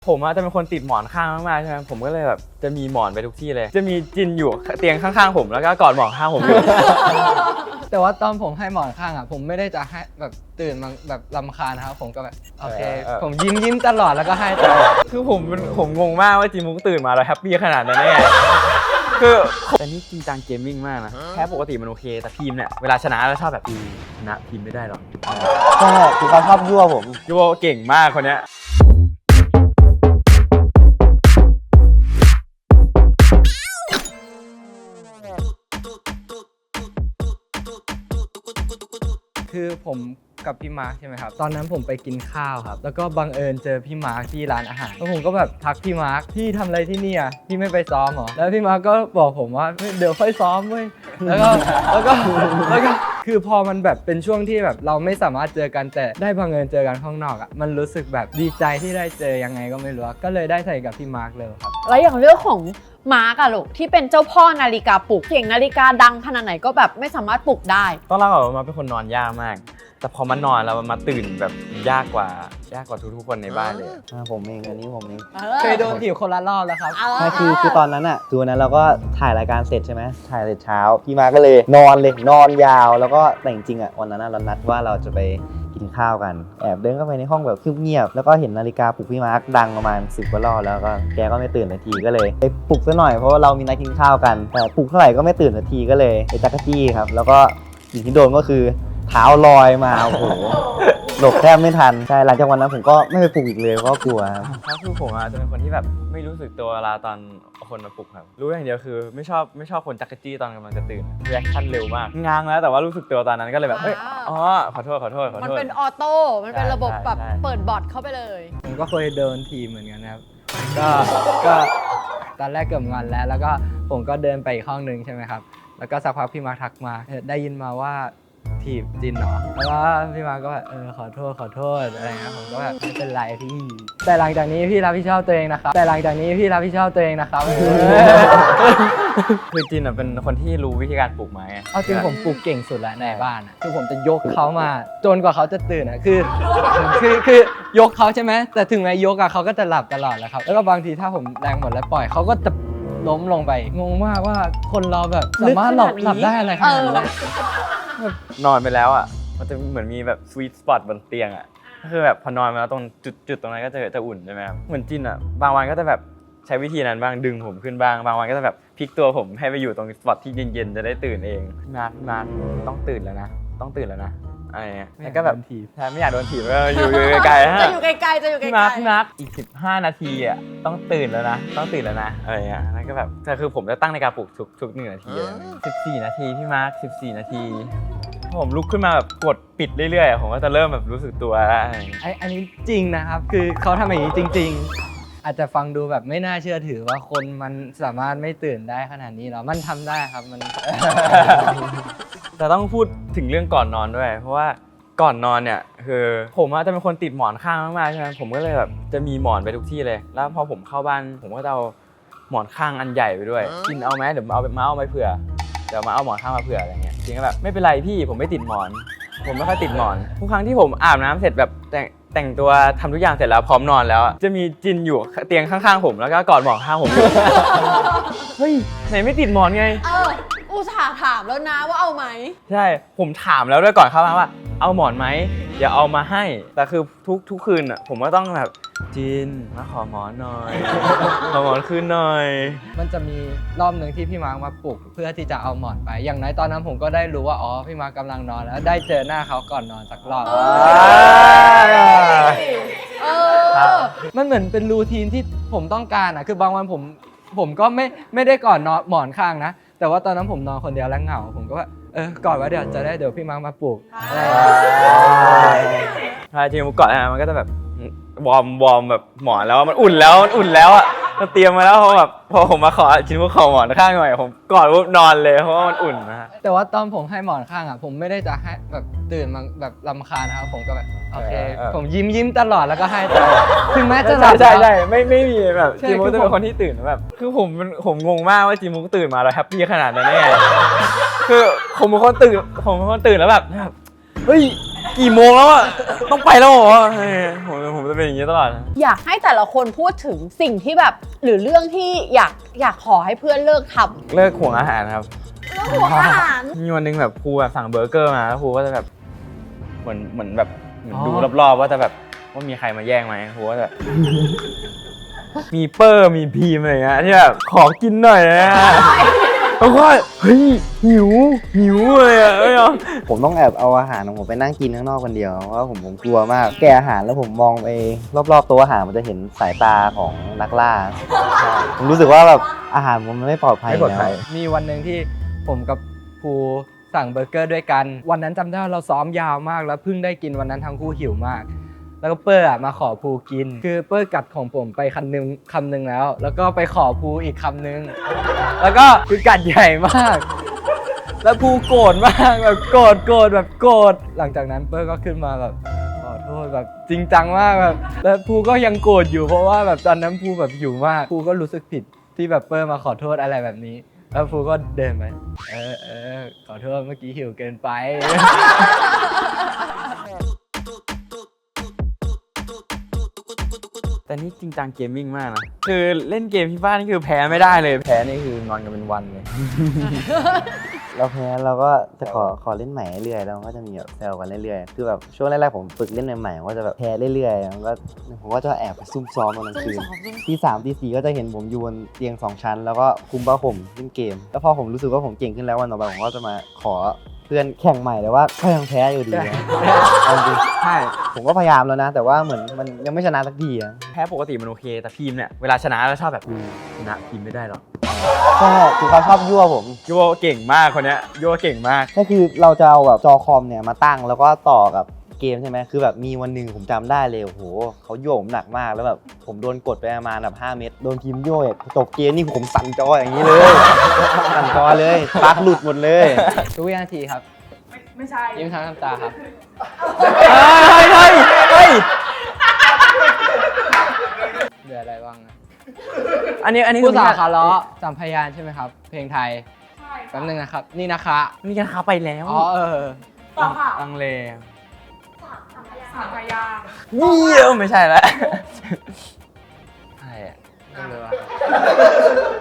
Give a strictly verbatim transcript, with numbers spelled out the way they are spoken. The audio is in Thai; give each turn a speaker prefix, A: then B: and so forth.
A: ผมอาจจะเป็นคนติดหมอนข้างมากๆใช่ไหมผมก็เลยแบบจะมีหมอนไปทุกที่เลยจะมีจินอยู่เตียงข้างๆผมแล้วก็กอดหมอนข้างผมอยู่
B: แต่ว่าตอนผมให้หมอนข้างอ่ะผมไม่ได้จะให้แบบตื่นมาแบบรำคาญนะครับผมก็แบบโอเคผมยิ้มยิ้มตลอดแล้วก็ให้ตลอด
A: คือผมผมงงมากว่าจินมุกตื่นมาแล้วแฮปปี้ขนาดนั้นได้ไงคือแต่นี่จริงจังเกมมิ่งมากนะแค่ปกติมันโอเคแต่พีมเนี่ยเวลาชนะแล้วชอบแบบพีชนะพีมไม่ได้หรอก
C: ใช่คือเขาชอบยั่วผม
A: ยูโบเก่งมากคนเนี้ย
B: คือผมกับพี่มาร์คใช่ไหมครับตอนนั้นผมไปกินข้าวครับแล้วก็บังเอิญเจอพี่มาร์คที่ร้านอาหารแล้วผมก็แบบทักพี่มาร์คพี่ทำอะไรที่นี่อ่ะพี่ไม่ไปซ้อมหรอแล้วพี่มาร์คก็บอกผมว่าเดี๋ยวค่อยซ้อมเว้ยแล้วก็แล้วก็แล้วก็คือพอมันแบบเป็นช่วงที่แบบเราไม่สามารถเจอกันแต่ได้บังเอิญเจอกันข้างนอกอ่ะมันรู้สึกแบบดีใจที่ได้เจอยังไงก็ไม่รู้ก็เลยได้ใส่กับพี่มาร์คเลยครับ
D: แล้วอย่างเรื่องของมาร์กอะลูกที่เป็นเจ้าพ่อนาฬิกาปลุกเสียงนาฬิกาดังขนาดไหนก็แบบไม่สามารถปลุกได้
A: ต้องเล่าก่อนว่ามาเป็นคนนอนยากมากแต่พอมันนอนแล้วมันมาตื่นแบบยากกว่ายากกว่าทุกๆคนในบ้านเลย
C: ผมเองอันนี้ผมเอง
B: เคยโดนถีบคนละรอบแล้วครับ
C: ใช่คือคือตอนนั้นอ่ะคือวันนั้นเราก็ถ่ายรายการเสร็จใช่ไหมถ่ายเสร็จเช้าพี่มาก็เลยนอนเลยนอนยาวแล้วก็แต่จริงๆอ่ะวันนั้นเรานัดว่าเราจะไปกินข้าวกันแอบเดินเข้าไปในห้องแบบเงียบๆแล้วก็เห็นนาฬิกาปลุกพี่มาร์คดังประมาณสิบกว่ารอบแล้วก็แกก็ไม่ตื่นนาทีก็เลยไปปลุกซะหน่อยเพราะว่าเรามีนัดกินข้าวกันแต่ปลุกเท่าไหร่ก็ไม่ตื่นนาทีก็เลยไปจักรจี้ครับแล้วก็สิ่งที่โดนก็คือเท้าลอยมาโอ้โหหลบแทบไม่ทันใช่หลังจากวันนั้นผมก็ไม่ไปปลุกอีกเลยเพราะกลัวครับ
A: ก็คือผมอาจจะเป็นคนที่แบบไม่รู้สึกตัวเวลาตอนคนมาปลุกครับรู้อย่างเดียวคือไม่ชอบไม่ชอบคนจักรจี้ตอนกำลังจะตื่นรีแอคชั่นเร็วมากง้างแล้วแต่ว่ารู้สึกตัวตอนนั้นก็เลยแบบเอ้ยอ๋อขอโทษขอโทษขอโทษ
D: มันเป็นออโต้มันเป็นระบบแบบเปิดบอทเข้าไปเลย
B: ผมก็เคยเดินทีมเหมือนกันนะครับก็ก็ตอนแรกเกือบงอนแล้วแล้วก็ผมก็เดินไปอีกห้องนึงใช่ไหมครับแล้วก็สักพักพี่มาทักมาได้ยินมาว่าถีบจินเหรอแล้วก็พี่มาก็แบบเออขอโทษขอโทษอะไรเงี้ยผมก็แบบไม่เป็นไรพี่แต่หลังจากนี้พี่รับผิดชอบตัวเองนะครับแต่หลังจากนี้พี่รับผิดชอบตัวเองนะครับ
A: คือจินเป็นคนที่รู้วิธีการปลุกไม้
B: เอาจริงผมปลุกเก่งสุดแล้วในบ้านคือผมจะยกเขามาจนกว่าเขาจะตื่นอ่ะคือคือคือยกเขาใช่ไหมแต่ถึงแม้ยกอะเขาก็จะหลับตลอดแหละครับแล้วก็บางทีถ้าผมแรงหมดแล้วปล่อยเขาก็จะล้มลงไปงงมากว่าคนเราแบบสามารถหลับหลับได้อะไรขนาดนั้น
A: นอนไปแล้วอ่ะมันจะเหมือนมีแบบสวีทสปอตบนเตียงอ่ะก็คือแบบพอนอนมาแล้วตรงจุดจุดตรงนั้นก็จะจะอุ่นใช่ไหมครับเหมือนจินอ่ะบางวันก็จะแบบใช้วิธีนั้นบ้างดึงผมขึ้นบ้างบางวันก็จะแบบพลิกตัวผมให้ไปอยู่ตรงสปอตที่เย็นๆจะได้ตื่นเองมามาต้องตื่นแล้วนะต้องตื่นแล้วนะอะไรเงี้ยแล้วก็แบบใช่ไม่อยากโดนถีบก็อยู่ไกลๆฮะ
D: จะอยู่ไกลๆจะอยู่ไกลๆ
A: พี่มาร์คพี่มาร์คอีกสิบห้านาทีอ่ะต้องตื่นแล้วนะต้องตื่นแล้วนะอะไรเงี้ยแล้วก็แบบแต่คือผมจะตั้งนาฬิกาปลุกทุกทุกหนึ่งนาทีเลยสิบสี่นาทีพี่มาร์คสิบสี่นาทีผมลุกขึ้นมาแบบกดปิดเรื่อยๆผมก็จะเริ่มแบบรู้สึกตัวแล้ว
B: ไอ้อันนี้จริงนะครับคือเขาทำอย่างนี้จริงๆอาจจะฟังดูแบบไม่น่าเชื่อถือว่าคนมันสามารถไม่ตื่นได้ขนาดนี้หรอมันทำได้ครับมัน
A: แต่ต้องพูดถึงเรื่องก่อนนอนด้วยเพราะว่าก่อนนอนเนี่ยคือผมอาจจะเป็นคนติดหมอนข้างมากๆใช่ไหมผมก็เลยแบบจะมีหมอนไปทุกที่เลยแล้วพอผมเข้าบ้านผมก็จะเอาหมอนข้างอันใหญ่ไปด้วยกินเอาไหมเดี๋ยวเอามาเอาไปเผื่อเดี๋ยวมาเอาหมอนข้างมาเผื่ออะไรเงี้ยจริงก็แบบไม่เป็นไรพี่ผมไม่ติดหมอนผมไม่ค่อยติดหมอนทุกครั้งที่ผมอาบน้ำเสร็จแบบแต่งแต่งตัวทำทุกอย่างเสร็จแล้วพร้อมนอนแล้วจะมีจินอยู่เตียงข้างๆผมแล้วก็กอดหมอนข้างผม เฮ้ยไหนไม่ติดหมอนไง
D: เอออุตส่าห์ถามแล้วนะว่าเอาไหม
A: ใช่ผมถามแล้วด้วยก่อนเข้ามาว่าเอาหมอนไหมเดี๋ยวเอามาให้แต่คือทุกทุกคืนอ่ะผมก็ต้องแบบจินมาขอหมอนหน่อยขอหมอนคืนหน่อย
B: มันจะมีรอบหนึ่งที่พี่มาร์คมาปลุกเพื่อที่จะเอาหมอนไปอย่างน้อยตอนนั้นผมก็ได้รู้ว่าอ๋อพี่มาร์คกำลังนอนแล้วได้เจอหน้าเขาก่อนนอนสักรอบมันเหมือนเป็นรูทีนที่ผมต้องการอ่ะคือบางวันผมผมก็ไม่ไม่ได้ก่อนนอนหมอนข้างนะแต่ว่าตอนนั้นผมนอนคนเดียวแล้วเหงาผมก็ว่าเออก่อนว่าเดี๋ยวจะได้เดี๋ยวพี่มาร์คมาปลุกอะไร
A: ใช่จริงๆก่อนอ่ะมันก็จะแบบวอร์มวอร์มแบบหมอนแล้วมันอุ่นแล้วมันอุ่นแล้วอ่ะมันเตรียมมาแล้วพอแบบพอผมมาขอชิ้นพวกขอหมอนข้างหน่อยผมกอดปุ๊บนอนเลยเพราะว่ามันอุ่นนะฮะ
B: แต่ว่าตอนผมให้หมอนข้างอ่ะผมไม่ได้จะให้แบบตื่นมาแบบรำคาญนะครับผมก็แบบโอเคผมยิ้มยิ้มตลอดแล้วก็ให้ตลอดถึงแม้จะหลับ
A: ใช่ใช่ไม่ไม่มีแบบจิมุกจะเป็นคนที่ตื่นแบบคือผมผมงงมากว่าจิมุกตื่นมาแล้วแฮปปี้ขนาดนั้นได้ไงคือผมเป็นคนตื่นผมเป็นคนตื่นแล้วแบบเฮ้ยกี่โมงแล้วอะต้องไปแล้วเหรอเฮ้ยผมผมจะเป็นอย่างนี้ตลอดนะ
D: อยากให้แต่ละคนพูดถึงสิ่งที่แบบหรือเรื่องที่อยากอยากขอให้เพื่อนเลิกทำ
A: เลิกห่วงอาหารครับ
D: เรื่องหัวอาหาร
A: มีวันหนึงแบบครูแบบสั่งเบอร์เกอร์มาแล้วครูก็จะแบบเหมือนเหมือนแบบเหมือน
B: อ๋อ
A: ดูรอบๆว่าจะแบบว่ามีใครมาแย่งไหมครูก็จะ มีเปอร์มีพีมอะไรเงี้ยที่แบบขอกินหน่อยนะแล้วก็เฮ้ยหิวหิวเลยอ่ะเอ้ยเอา
C: ผมต้องแอบเอาอาหารของผมไปนั่งกินข้างนอกคนเดียวเพราะว่าผมผมกลัวมากแกะอาหารแล้วผมมองไปรอบๆโต๊ะอาหารมันจะเห็นสายตาของนักล่าใช่ผมรู้สึกว่าแบบอาหารผมมันไม่ปลอดภัย
A: ไม่ปลอดภัย
C: แล้ว
B: มีวันหนึ่งที่ผมกับภูสั่งเบอร์เกอร์ด้วยกัน วันนั้นจำได้ว่าเราซ้อมยาวมากแล้วเพิ่งได้กินวันนั้นทั้งคู่หิวมาก แล้วก็เปอร์อะมาขอภูกิน คือเปอร์กัดของผมไปคำนึงคำนึงแล้ว แล้วก็ไปขอภูอีกคำนึง แล้วก็คือกัดใหญ่มาก แล้วภูโกรธมากแบบโกรธโกรธแบบโกรธหลังจากนั้นเปอร์ก็ขึ้นมาแบบขอโทษแบบจริงจังมากแบบแล้วภูก็ยังโกรธอยู่เพราะว่าแบบตอนนั้นภูแบบหิวมากภูก็รู้สึกผิดที่แบบเปอร์มาขอโทษอะไรแบบนี้ แล้วภูก็เดินไปเออเออขอโทษเมื่อกี้หิวเกินไป
A: แต่นี่จริงจังเกมมิ่งมากนะคือเล่นเกมที่บ้านนี่คือแพ้ไม่ได้เลยแพ้นี่คือนอนกันเป็นวันเลย
C: เราแพ้เราก็จะขอขอเล่นใหม่เรื่อยๆแล้วมันก็จะมีแบบแซวกันเรื่อยๆคือแบบช่วงแรกๆผมฝึกเล่นใหม่ๆผมก็จะแบบแพ้เรื่อยๆมันก็ผมก็จะแอบไปซุ่มซ้อมตอนกลางคืนที่สามที่สี่ก็จะเห็นผมอยู่บนเตียงสองชั้น แล้วก็คุมผ้าห่มเล่นเกม แล้วพอผมรู้สึกว่าผมเก่งขึ้นแล้ววันต่อไปผมก็จะมาขอเพื่อนแข่งใหม่แต่ว่าก็ยังแพ้อยู่ดีนะเอาจริง
A: ใช่
C: ผมก็พยายามแล้วนะ แต่ว่าเหมือนมันยังไม่ชนะสักทีอะ
A: แพ้ปกติมันโอเคแต่พีมเนี่ยเวลาชนะแล้วชอบแบบชนะพีมไม่ได้หรอก
C: ใช่คือเขาชอบยั่วผม
A: ยั่วเก่งมากคนเนี้ยยั่วเก่งมาก
C: ก็คือเราจะเอาแบบจอคอมเนี่ยมาตั้งแล้วก็ต่อกับเกมใช่ไหมคือแบบมีวันหนึ่งผมจำได้เลยโอ้โหเขาโยกผมหนักมากแล้วแบบผมโดนกดไปประมาณแบบห้าเม็ดโดนพิมพ์โยกจบเกมนี่ผมสั่นจออย่างนี้เลย สั่นจอเลยปลั๊กหลุดหมดเลย
B: ทุกวินาทีครับ
E: ไม่ใช่
B: ยิ้มทั้งน้ำตาครับ
A: เฮ้ยเฮ้ยเฮ้ย
B: เหลืออะไรบ้างนะ
A: อันนี้อันนี้
B: ผู้สาว
A: คือ
B: ขาล้อสามพยานใช่ไหมครับ เพลงไทย
E: ใช่
B: แป๊บนึงนะครับ นี่นะคะ
A: นี่กันขาไปแล้ว
B: อ๋อเออ
E: ต่อค่ะ
A: ลังเล
E: สามพยางค์
A: เยี่ยมไม่ใช่แล้วใช่อะ
B: ไม่รู้อะ